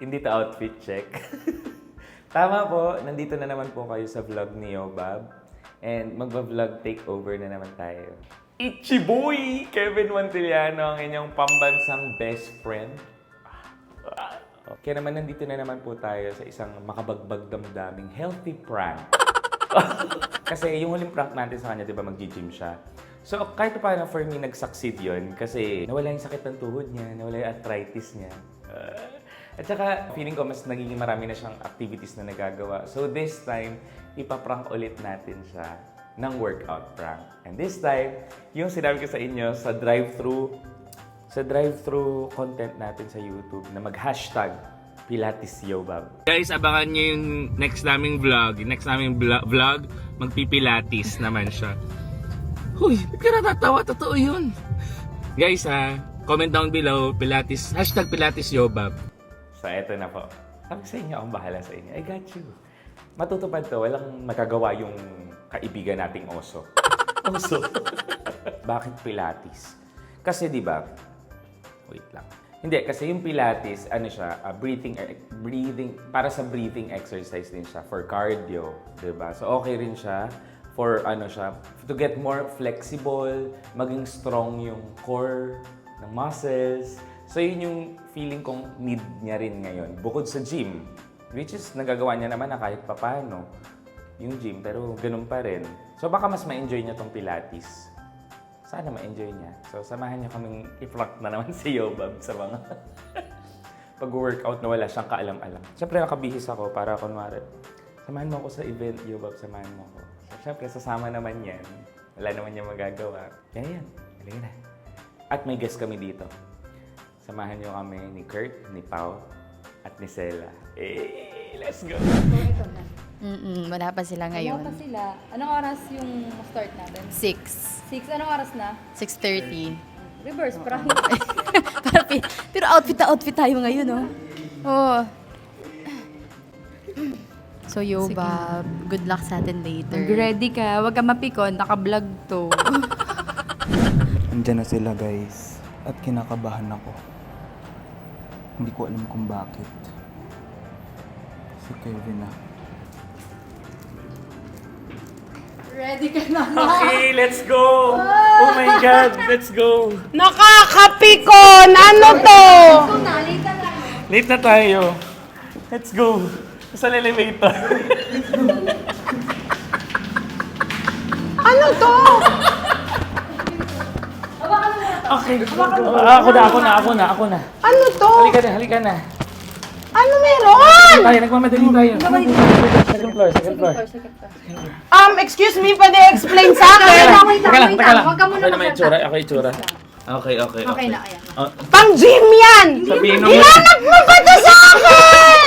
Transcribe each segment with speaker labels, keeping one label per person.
Speaker 1: Hindi to outfit check. Tama po, nandito na naman po kayo sa vlog ni Yobab. And magba-vlog takeover na naman tayo. Ichiboy! Kevin Montiliano, ang inyong pambansang best friend. Kaya naman nandito na naman po tayo sa isang makabagbag damdaming healthy prank. Kasi yung huling prank natin sa kanya, di ba, mag-gym siya. So kahit paano for me, nag-succeed yun. Kasi nawala yung sakit ng tuhod niya, nawala yung arthritis niya. At saka, feeling ko mas nagiging marami na siyang activities na nagagawa. So this time, ipaprank ulit natin siya ng workout prank. And this time, yung sinabi ko sa inyo sa drive-thru content natin sa YouTube na mag-hashtag Pilates Yobab. Guys, abangan nyo yung next naming vlog. Yung next naming vlog, magpipilates naman siya. Huy, ba't ka natatawa? Totoo yun. Guys, comment down below, Pilates, hashtag Pilates Yobab. So, eto na po. Sabi sa inyo, akong bahala sa inyo. I got you. Matutupad to, walang magagawa yung kaibigan nating oso. Oso. Bakit Pilates? Kasi di ba? Wait lang. Hindi, kasi yung Pilates, ano siya, breathing, para sa breathing exercise din siya, for cardio, di ba? So, okay rin siya for, ano siya, to get more flexible, maging strong yung core ng muscles. So, yun yung feeling kong need niya rin ngayon. Bukod sa gym, which is nagagawa niya naman na kahit papano yung gym, pero ganun pa rin. So, baka mas ma-enjoy niya tong Pilates. Sana ma-enjoy niya. So, samahan niyo kaming i-prank na naman si Yobab sa mga pag-workout na wala siyang kaalam-alam. Siyempre, nakabihis ako para kunwari, samahan mo ako sa event, Yobab, samahan mo ako. So, siyempre, sasama naman yan. Wala naman niya magagawa. Kaya yan, halika na. At may guest kami dito. Samahan niyo kami ni Kurt, ni Pao, at ni Sela. Let's go!
Speaker 2: Ito na.
Speaker 3: Wala pa sila ngayon.
Speaker 2: Wala pa sila. Anong oras yung start natin?
Speaker 3: 6.
Speaker 2: 6. Anong oras na?
Speaker 3: 6:30.
Speaker 2: Reverse prank.
Speaker 3: Pero outfit na outfit tayo ngayon, oh. Oh. So, Yobab, good luck sa atin later.
Speaker 2: Mag-ready ka. Huwag ka mapikon. Naka-vlog to.
Speaker 4: Andiyan na sila, guys. At kinakabahan ako. Hindi ko alam kung bakit. Si Kevin na.
Speaker 2: Ready ka na.
Speaker 1: Okay, let's go! Oh my God, let's go!
Speaker 5: Nakakapikon! Ano to?
Speaker 2: Ito na. Late na tayo.
Speaker 1: Late na tayo. Let's go! Sa elevator.
Speaker 5: Ano to?
Speaker 1: Okay. Ako na.
Speaker 5: Ano to?
Speaker 1: Halika na.
Speaker 5: Ano meron?
Speaker 1: Tayo, nagmamadali tayo. Second floor.
Speaker 5: Excuse me, pwede explain sa akin?
Speaker 1: Teka lang.
Speaker 2: Huwag ka muna
Speaker 1: Ako na may
Speaker 2: magsalita.
Speaker 1: itsura. Okay.
Speaker 2: Okay na, ayan.
Speaker 5: Pang gym yan!
Speaker 1: Sabihin mo.
Speaker 5: Ilanag mo ba to sa akin?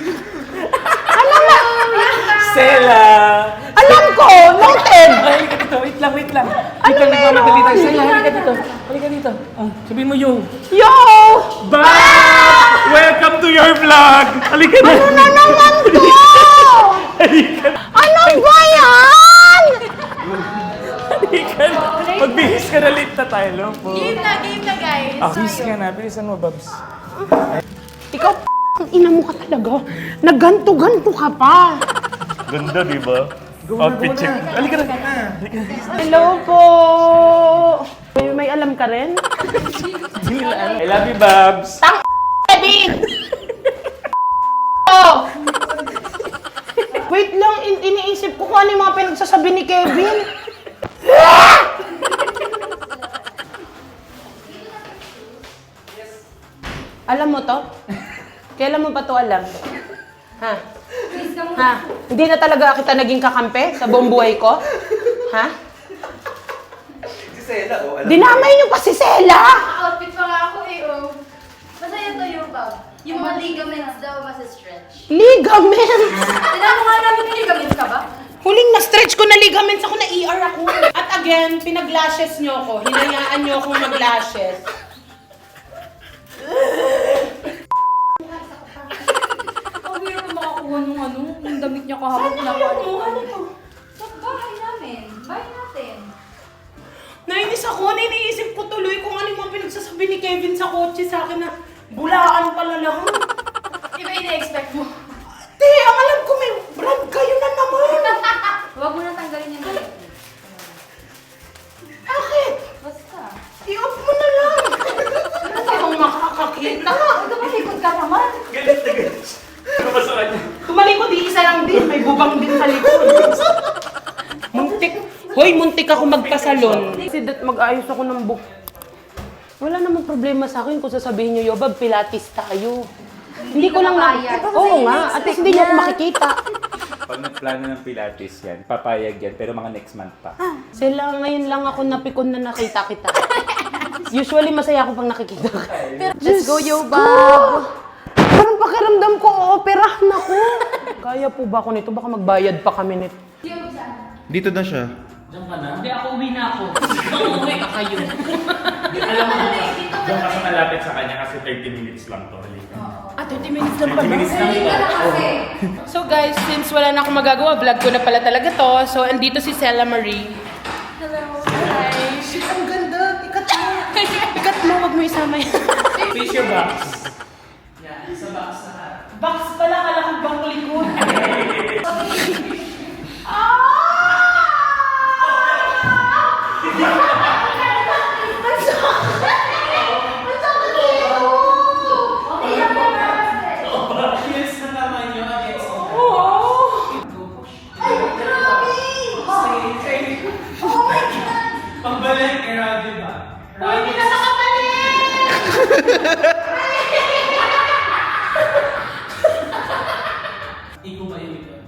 Speaker 1: Sela!
Speaker 5: Alam ko, noted!
Speaker 1: Ay, halika dito. Wait lang. Wait lang, nagmamadali tayo. Sela, halika dito. Sabihin mo, yo.
Speaker 5: Yo!
Speaker 1: Bye! Welcome to your vlog! Halika na!
Speaker 5: Ano na naman to?
Speaker 1: Halika na!
Speaker 5: Ano ba yan?
Speaker 1: Halika na! Magbihis ka na, late na tayo. Alam po.
Speaker 2: Game na, guys.
Speaker 1: Bihis ka na. Bilisan mo, Babs.
Speaker 5: Ikaw, ang ina mo ka talaga. Nagganto-ganto ka pa.
Speaker 1: Ganda, di ba? Outfit check. Halika na.
Speaker 5: Hello po. May alam ka rin?
Speaker 1: I love you, Babs.
Speaker 5: Kevin! Oh! Wait lang, iniisip ko kung ano yung mga pinagsasabi ni Kevin. Alam mo to? Kailan mo pa to alam? Ha? Ha? Hindi na talaga kita naging kakampi sa buong buhay ko? Ha? Si Sela, oh. Dinamay niyo pa si Sela!
Speaker 3: Outfit pa nga ako eh, oh. Masaya to, Yobab. Yung mga ligaments daw stretch.
Speaker 5: Ligaments!
Speaker 3: Tinanong nga namin may ligaments ka ba?
Speaker 5: Huling na-stretch ko na ligaments ako, na ER ako. At again, pinag-lashes niyo ako. Hinayaan niyo akong mag-lashes.
Speaker 2: Ang hirap na makakuha nung yung damit niya kahapon.
Speaker 5: Ano to?
Speaker 2: Sa bahay namin. Bahay natin.
Speaker 5: Nainis ako, iniisip ko tuloy kung ano yung mga pinagsasabi ni Kevin sa kotse sa akin na bulaan pala lang.
Speaker 3: Iba ini-expect mo?
Speaker 5: Te, ang alam ko may brand kayo na naman.
Speaker 3: Huwag mo na tanggalin yung galit.
Speaker 5: Bakit?
Speaker 3: Basta.
Speaker 5: I-off mo na lang. Ano kung makakakita?
Speaker 3: Tumalikod ka naman.
Speaker 1: Galit na galit. Ano ba sa kanya?
Speaker 5: Tumalikod, isa lang din. May bubang din sa likod. Muntik. Hoy, muntik ako magpasalon. Kasi mag-ayos ako ng book. Wala namang problema sa akin kung sasabihin niyo, Yobab, Pilates tayo. Hindi ko lang
Speaker 3: papayag.
Speaker 5: Oo nga, at least hindi niyo ako makikita.
Speaker 1: Pag nagplano ng Pilates yan, papayag yan, pero mga next month pa.
Speaker 5: Sila, ngayon lang ako napikon na nakita kita. Usually, masaya ako pag nakikita ka.
Speaker 3: Let's go, Yobab.
Speaker 5: Parang pakiramdam ko, ooperahan ako. Kaya po ba ako nito? Baka magbayad pa kami nito.
Speaker 4: Dito na siya.
Speaker 5: Hindi, ako uwi na ako. Uuwi ka kayo.
Speaker 1: Alam mo, doon ka sa malapit sa kanya kasi 30 minutes lang to.
Speaker 5: 30 minutes lang
Speaker 1: 30 minutes lang to.
Speaker 5: So guys, since wala na akong magagawa, vlog ko na pala talaga to. So, andito si Sela Marie.
Speaker 3: Hello.
Speaker 5: Hi! Shit, ang ganda! Ikat mo! Ikat mo, wag mo isama yan.
Speaker 1: Face your box.
Speaker 5: Box pala, kala kong bang likod.
Speaker 6: Pagbalik, era, di ba?
Speaker 5: Uy, hindi na nakabalik!
Speaker 6: Ikaw ba yun ito?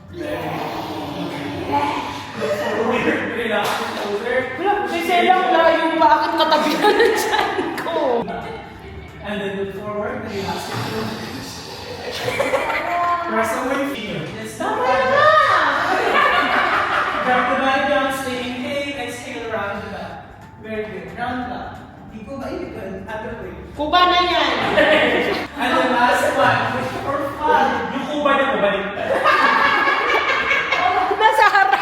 Speaker 5: Wala, si Sela ang layo. Bakit katabi na ng tiyan ko?
Speaker 6: And then look forward, relax your shoulders. Press away feet. Yes,
Speaker 5: Tama na!
Speaker 6: Grab the body down, stay inhale, exhale, round the back. Very good. Round back. Ikaw ba yun ito? Other way.
Speaker 5: Kuba na yan!
Speaker 6: And then last one. For fun.
Speaker 1: Yung kuba niya kubalik tayo.
Speaker 5: Nasa harap!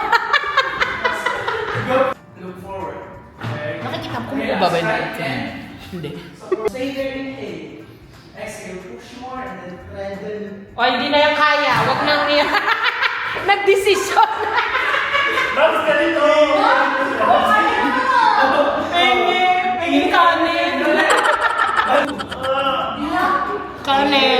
Speaker 6: Go. Look forward. Very good.
Speaker 5: Nakikita ko
Speaker 6: Relax,
Speaker 5: ba ba yun?
Speaker 6: right hand.
Speaker 5: Hindi.
Speaker 6: So stay there, inhale. Exhale, push more, and then thread the
Speaker 5: O, hindi na yan kaya. Huwag nang niya. Nagdesisyon.
Speaker 1: Tapos ganito!
Speaker 5: Pingin kanin. Kanin.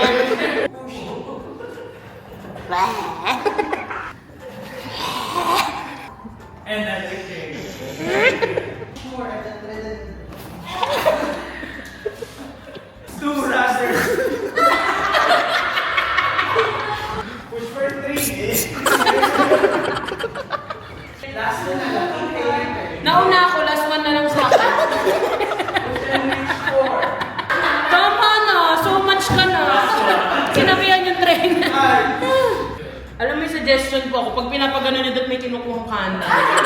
Speaker 6: and then exhale. Push more, and then thread the two rather. Push for three. Last one na lang. Inhale.
Speaker 5: Nauna ako. Last one na lang sa akin.
Speaker 6: Push and reach four.
Speaker 5: Tama na. So much ka na. Sinabihan yung trainer.
Speaker 6: Five.
Speaker 5: Alam mo yung suggestion po ako, pag pinapagano niyo dapat may kinukuhang kanan.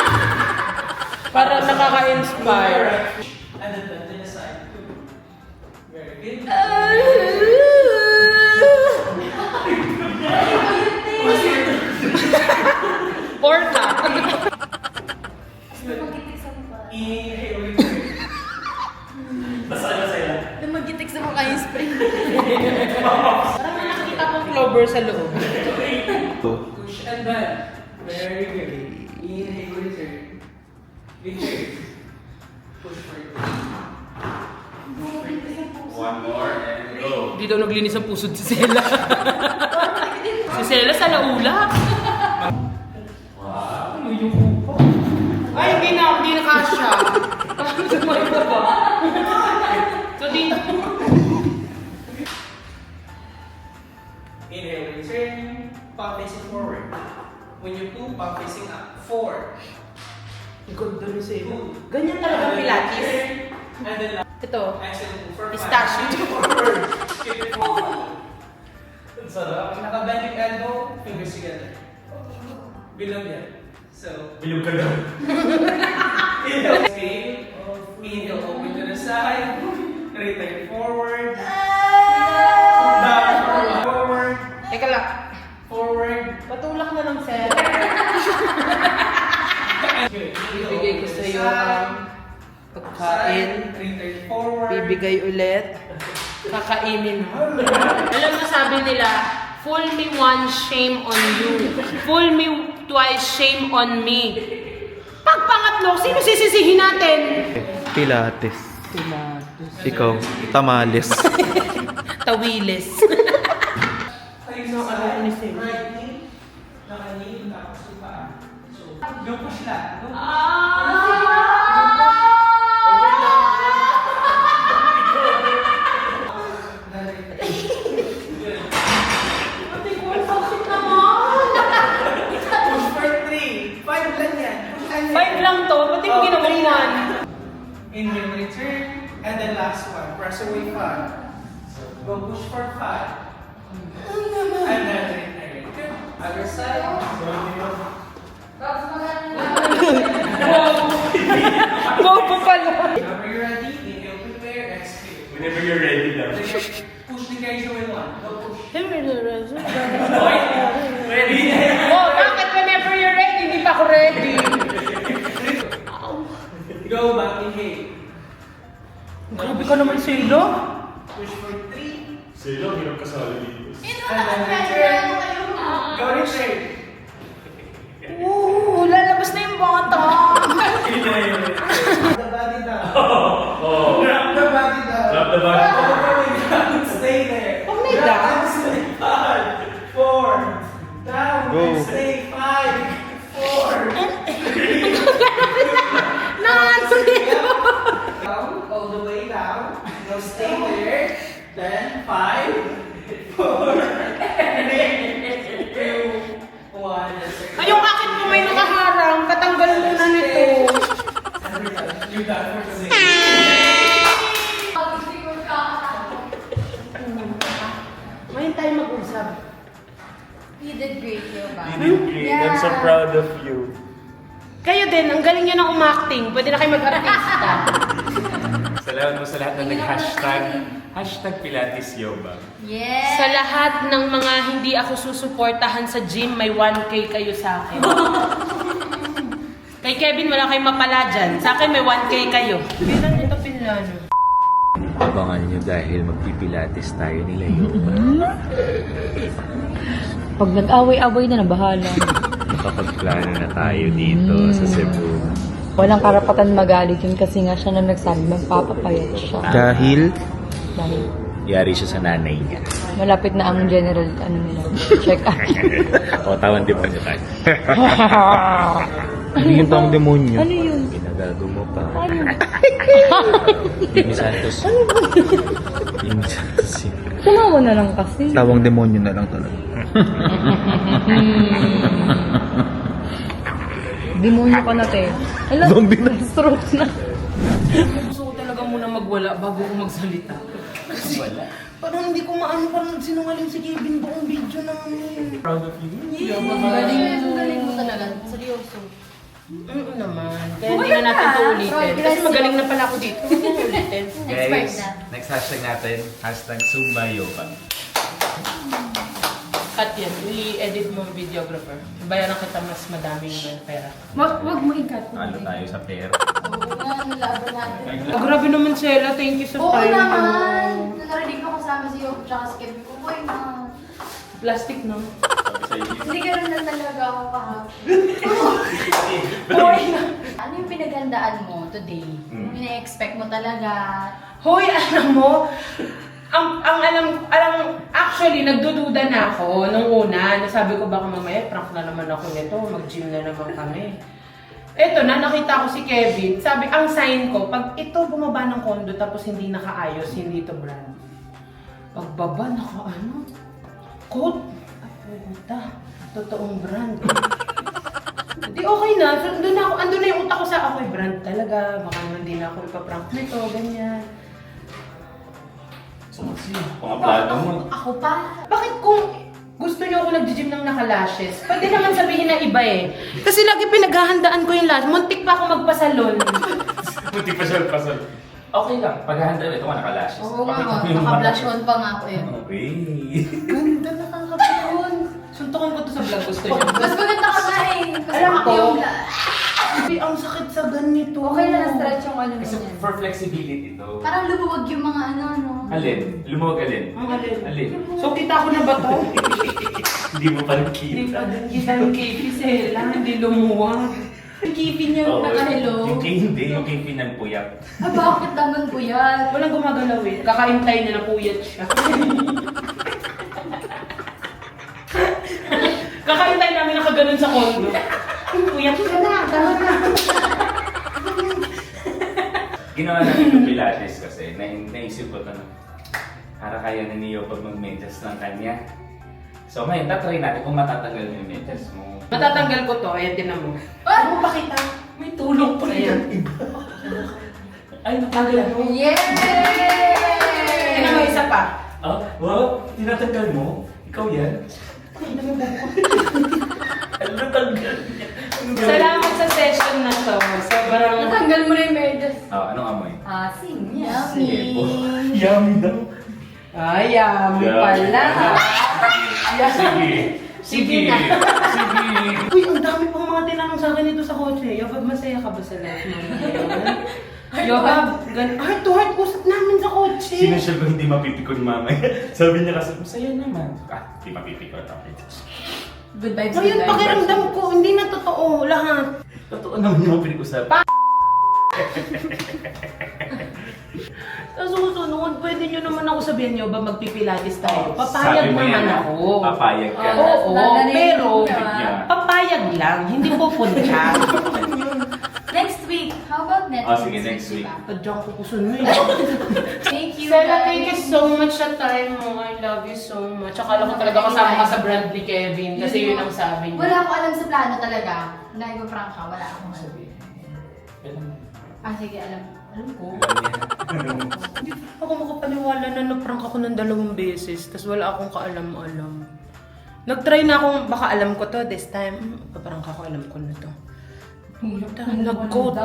Speaker 5: Para nakaka-inspire.
Speaker 6: And then bend to the side. Very good.
Speaker 5: Orca.
Speaker 6: Inhale, return.
Speaker 1: Basa-basa yan.
Speaker 3: Lumagitik sa mukha yung spring.
Speaker 5: Parang may nakikita kong clover sa loob.
Speaker 6: Push and bend. Very good. Inhale, return. Return. Push for it.
Speaker 1: One more and go.
Speaker 5: Hindi daw naglinis ang pusod si Sela. Si Sela sa laula. Wow. Ano yung upo? Ay, hindi na kasha. Sumay ko ba? So dito.
Speaker 6: Inhale, return. Palm facing forward. When you pull, palm facing up. 4.
Speaker 5: Ikot doon si Sela. Ganyan talaga Pilates.
Speaker 6: And then
Speaker 5: Ito.
Speaker 6: exhale, pull for 5.
Speaker 5: Pistachio.
Speaker 6: Forward. Keep it forward. Sarap. Nakabend yung elbow, fingers together. Bilog yan. So,
Speaker 1: Bilog ka daw.
Speaker 6: inhale, exhale. Inhale, open to the side. Return forward. Down, forward.
Speaker 5: Teka lang.
Speaker 6: Forward.
Speaker 5: Patulak na lang, Sela.
Speaker 6: Good.
Speaker 5: Bibigay ko sa iyo ang pagkain.
Speaker 6: Return forward.
Speaker 5: Bibigay ulit. Kakainin. Alam mo, sabi nila, fool me once, shame on you. Fool me twice, shame on me. Pag pangatlo, sino sisisihin natin?
Speaker 4: Pilates. Ikaw, tamales.
Speaker 5: Tawilis.
Speaker 6: Tayo sa side, right knee, naka-knee, tapos yung paa. So, go push lang. Go. Push for 3. 5 lang yan. Push lang yan.
Speaker 5: 5 lang to, ba't di mo ginawang 1?
Speaker 6: Inhale, return. And then last one. Press away 5. So, go push for 5. And then return. Good. Other side.
Speaker 5: Bobo pala.
Speaker 6: Whenever you're ready, inhale, prepare, exhale.
Speaker 1: Whenever you're ready daw.
Speaker 6: Push the guys away one. Go push.
Speaker 1: Ready?
Speaker 5: Oh, bakit whenever you're ready, hindi pa ako ready?
Speaker 6: Go back, inhale.
Speaker 5: Grabe ka naman, Silo.
Speaker 6: Push for 3.
Speaker 1: Sila, hirap kasali dito.
Speaker 6: And then return. Go return.
Speaker 5: Oo, lalabas na yung bata.
Speaker 6: Drop the body down. Drop the body down.
Speaker 1: Drop the body down.
Speaker 6: All the way down. Stay there.
Speaker 5: Huwag may
Speaker 6: Drop
Speaker 5: down.
Speaker 6: and stay. 5, 4. Down and stay. 5, 4.
Speaker 5: Naano nito?
Speaker 6: Down, all the way down. Now stay there. Then 5, 4, 3, 2, 1.
Speaker 5: Ay, yung akin po may nakaharang. Katanggal muna nito.
Speaker 6: You're done for today.
Speaker 5: Ngayon tayo mag-usap.
Speaker 3: You did great, Yoba.
Speaker 1: Great. I'm so proud of you.
Speaker 5: Kayo din, ang galing nyo ng umacting. Pwede na kayo mag-artista.
Speaker 1: Salamat mo sa lahat na nag-hashtag. Hashtag Pilates Yoba.
Speaker 3: Yes!
Speaker 5: Sa lahat ng mga hindi ako susuportahan sa gym, may 1K kayo sa akin. Kay Kevin, wala kayong mapala dyan. Sa akin, may 1K kayo. Bilang ito pinlano.
Speaker 1: Abangan nyo dahil magpipilates tayo nila Yoba.
Speaker 2: Pag nag-away-away na, bahala.
Speaker 1: Makapagplano na tayo dito sa Cebu.
Speaker 2: Walang karapatan magalit yun kasi nga siya na nagsabi magpapapayat siya.
Speaker 4: Dahil,
Speaker 2: Dahil
Speaker 1: Yari siya sa nanay niya.
Speaker 2: malapit na ang general, nila, check up.
Speaker 1: O, tawan din pa niya tayo.
Speaker 4: ano yung taong demonyo?
Speaker 2: Ano yun?
Speaker 1: Ginagago mo pa.
Speaker 2: Ano?
Speaker 1: Jimmy Santos. Jimmy Santos yun.
Speaker 2: Sumawa na lang kasi.
Speaker 4: Tawang demonyo na lang talaga.
Speaker 2: Demonyo ka na, te. Alam, stroke na.
Speaker 5: Gusto ko talaga muna magwala bago ko magsalita. Kasi parang hindi ko maano, parang sinungaling si Kevin buong video namin.
Speaker 1: Proud of you.
Speaker 3: Galing mo talaga. Seryoso.
Speaker 5: Naman. Kaya hindi na natin ito ulitin. Kasi magaling na pala ako dito. Hindi na ulitin.
Speaker 1: Guys, next hashtag natin, hashtag Zumba Yoga.
Speaker 5: At yan, i-edit mo ang videographer. Bayaran kita mas madaming pera.
Speaker 2: Wag mo ikat.
Speaker 1: Talo tayo sa pera.
Speaker 3: Oo nga, nalaban natin.
Speaker 5: Oh, grabe naman, Sheila. Thank you sa
Speaker 3: Oo
Speaker 5: time.
Speaker 3: naman! Narinig ko kasama si Yob tsaka si Kevin ko. Boy na.
Speaker 5: Plastic, no?
Speaker 3: Hindi ka rin na talaga ako kahapon.
Speaker 5: Hoy!
Speaker 3: Ano yung pinaghandaan mo today? Yung ina-expect mo talaga?
Speaker 5: Hoy, alam mo, actually, nagdududa na ako nung una. Nasabi ko baka mamaya, prank na naman ako nito. Mag-gym na naman kami. Eto na, nakita ko si Kevin. Sabi, ang sign ko, pag ito bumaba ng kondo tapos hindi nakaayos, hindi ito brand. Pagbaba, coat. Ay, puta. Totoong brand. Di okay na. Andun na yung utak ko sa ako'y brand talaga. Baka naman di na ako ipaprank nito, ganyan.
Speaker 1: Mga plano mo.
Speaker 3: Ako pa?
Speaker 5: Bakit kung gusto niyo ako nag-gym ng naka-lashes, pwede naman sabihin na iba eh. Kasi lagi pinaghahandaan ko yung lash. Muntik pa ako magpasalon.
Speaker 1: Puti pasal. Okay lang, paghahanda ito ka naka-lashes.
Speaker 3: Oo nga,
Speaker 1: Pakita mo yung
Speaker 3: naka-blush
Speaker 1: mata.
Speaker 3: on pa nga ako eh.
Speaker 1: Okay.
Speaker 3: Ganda nakakapon.
Speaker 5: Suntukan ko to sa vlog, gusto niyo.
Speaker 3: Mas maganda ka nga eh. Mas
Speaker 5: Alam
Speaker 3: ako
Speaker 5: ko.
Speaker 3: yung
Speaker 5: Ay, ang sakit sa ganito.
Speaker 3: Okay na na-stretch yung ano
Speaker 1: Kasi
Speaker 3: ganyan.
Speaker 1: for flexibility to.
Speaker 3: Parang lumuwag yung mga ano, no?
Speaker 1: Alin? Lumuwag alin?
Speaker 5: Ang alin.
Speaker 1: Alin?
Speaker 5: So, kita ko na ba to?
Speaker 1: Hindi mo pa rin
Speaker 5: Hindi
Speaker 1: kita.
Speaker 5: pa din kita yung kipi, Sela. Hindi lumuwag.
Speaker 3: Yung kipi niya
Speaker 1: Oo,
Speaker 3: nakahilo.
Speaker 1: Yung kay hindi, yung kay pinagpuyat.
Speaker 3: Ah, bakit naman po yan?
Speaker 5: Walang gumagalaw eh. Kakaintay na napuyat siya. Kakaintay namin nakaganon sa kondo. Puyat ka na, tama na.
Speaker 1: Ginawa namin yung Pilates kasi naisip ko ito na para kaya na niyo pag mag-medyas ng kanya. So ngayon, tatry natin kung matatanggal mo yung medyas mo.
Speaker 5: Matatanggal ko to. Ayan, tinan mo.
Speaker 3: Ah!
Speaker 5: Ano pa kita? May tulong pa rin.
Speaker 1: Ay, natanggal mo.
Speaker 3: Yay!
Speaker 5: Tinan mo isa pa.
Speaker 1: Ah, wow, tinatanggal mo? Ikaw yan? Ano natanggal niya?
Speaker 5: Salamat sa session na to. Sobrang...
Speaker 3: Natanggal mo na yung medyas.
Speaker 1: Anong amoy?
Speaker 3: Asim.
Speaker 1: Sebo.
Speaker 3: Yummy.
Speaker 1: Yummy daw.
Speaker 5: Ay, yummy pala.
Speaker 1: Sige. Sige. Sige.
Speaker 5: Uy, ang dami pang mga tinanong sa akin dito sa kotse. Yohab, masaya ka ba sa life mo ngayon? Yohab, heart to heart usap namin sa kotse.
Speaker 1: Sinasyal ko hindi mapipikon mamaya. Sabi niya kasi, masaya naman. Hindi mapipikon. Okay.
Speaker 3: Good vibes,
Speaker 5: Ngayon, pakiramdam ko, hindi na totoo lahat.
Speaker 1: Totoo naman yung pinag-usapan.
Speaker 5: Sa susunod, pwede nyo naman ako sabihin nyo ba magpipilates tayo?
Speaker 1: Sabi
Speaker 5: Papayag
Speaker 1: mo
Speaker 5: naman
Speaker 1: yan,
Speaker 5: ako.
Speaker 1: Papayag ka.
Speaker 5: Oo, pero
Speaker 1: Yeah.
Speaker 5: papayag lang, hindi po punta.
Speaker 3: Next week. How about Netflix?
Speaker 1: Sige, next week.
Speaker 5: Tadyang ko kusun mo eh.
Speaker 3: Thank you,
Speaker 5: Sela,
Speaker 3: guys.
Speaker 5: thank you so much sa time mo. I love you so much. Akala ko talaga kasama ka sa brand ni Kevin kasi yun ang sabi niya.
Speaker 3: Wala akong alam sa plano talaga. Na iba-prank ka. Wala akong alam. Ah, sige, alam. Alam ko.
Speaker 5: Hindi ako makapaniwala na na-prank ako ng 2 beses tapos wala akong kaalam-alam. Nag-try na akong, baka alam ko to this time. Paprank ako, alam ko na to. Nag-code.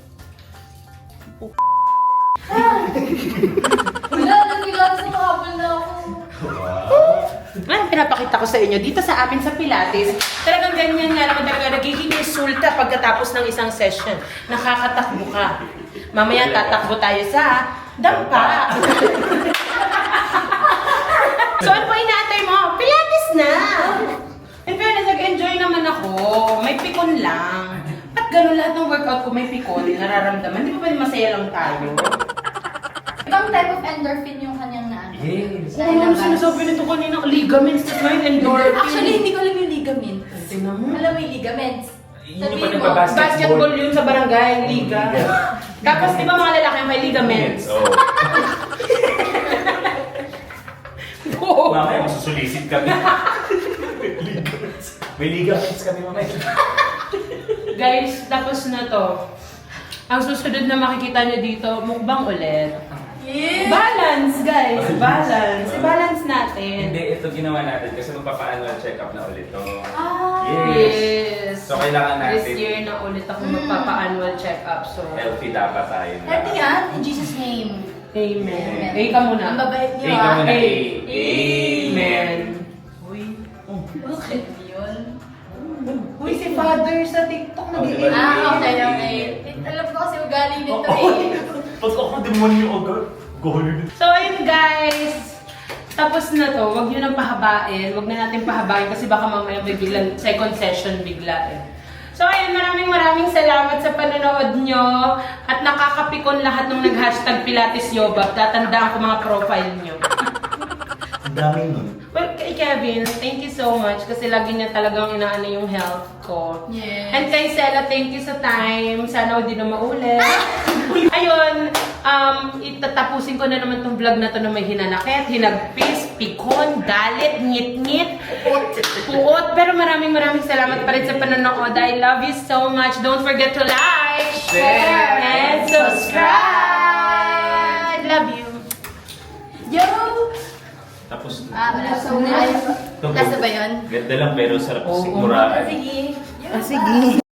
Speaker 3: Wala, nagbilang sa makabal na ako.
Speaker 5: Ngayon, pinapakita ko sa inyo dito sa amin sa Pilates. Talagang ganyan nga naman talaga nagiging insulta pagkatapos ng isang session. Nakakatakbo ka. Mamaya tatakbo tayo sa dampa. So ano pa inaantay mo? Pilates na! In fairness, nag-enjoy naman ako. May pikon lang. At gano'n lahat ng workout ko may pikon, nararamdaman. Di ba pwede masaya lang tayo?
Speaker 3: Ibang type of endorphin yung kanyang na ano.
Speaker 1: Yes.
Speaker 5: Oo, ano sinasabi nito kanina? Ligaments, that's why endorphin.
Speaker 3: Actually, hindi ko alam yung ligament.
Speaker 5: Tingnan mo.
Speaker 3: Alam mo yung ligaments.
Speaker 1: Yun yung
Speaker 3: Sabihin mo,
Speaker 1: pagbabasketball.
Speaker 5: Basketball yun sa barangay, liga. Tapos di ba mga lalaki may ligaments?
Speaker 1: Oo.
Speaker 5: Oo.
Speaker 1: Mamaya masusulisit kami. May ligaments kami mamaya.
Speaker 5: Guys, tapos na to. Ang susunod na makikita nyo dito, mukbang ulit.
Speaker 3: Yeah.
Speaker 5: Balance, guys. Balance. I-balance natin.
Speaker 1: Hindi, ito ginawa natin kasi magpapa-annual check-up na ulit to.
Speaker 3: Ah.
Speaker 5: Yes.
Speaker 1: So, kailangan natin.
Speaker 5: This year na ulit ako magpapa-annual check-up. So,
Speaker 1: Healthy dapat tayo.
Speaker 3: Healthy yan, in Jesus' name.
Speaker 5: amen. Eh, ka muna.
Speaker 3: Ang babait niyo
Speaker 1: Ikaw muna.
Speaker 5: A.
Speaker 1: Amen.
Speaker 5: Uy.
Speaker 3: Bakit yun?
Speaker 5: Uy, si Father sa TikTok nag-i-
Speaker 3: Ah, okay. Alam ko kasi ugali nito eh.
Speaker 1: Pag ako demonyo agad, gawin.
Speaker 5: So, ayun guys. Tapos na to. Huwag nyo nang pahabain. Huwag na natin pahabain kasi baka mamaya may biglang second session bigla eh. So, ayun. Maraming salamat sa panonood nyo. At nakakapikon lahat nung nag-hashtag Pilates Yoba. Tatandaan ko mga profile nyo.
Speaker 1: Ang dami nun.
Speaker 5: Well, kay Kevin, thank you so much kasi lagi niya talagang inaano yung health ko.
Speaker 3: Yes.
Speaker 5: And kay Sela, thank you sa time. Sana hindi na maulit. Ayun, itatapusin ko na naman tong vlog na to na may hinanakit, hinagpis, pikon, galit, ngit-ngit, puot. Pero maraming salamat pa rin sa panonood. I love you so much. Don't forget to like, share, and subscribe. Love you.
Speaker 3: Yo!
Speaker 1: Tapos,
Speaker 3: Wala. So, lasa ba yun?
Speaker 1: ganda lang pero sarap
Speaker 5: Oo.
Speaker 1: siguraan.
Speaker 3: Sige.
Speaker 5: Sige.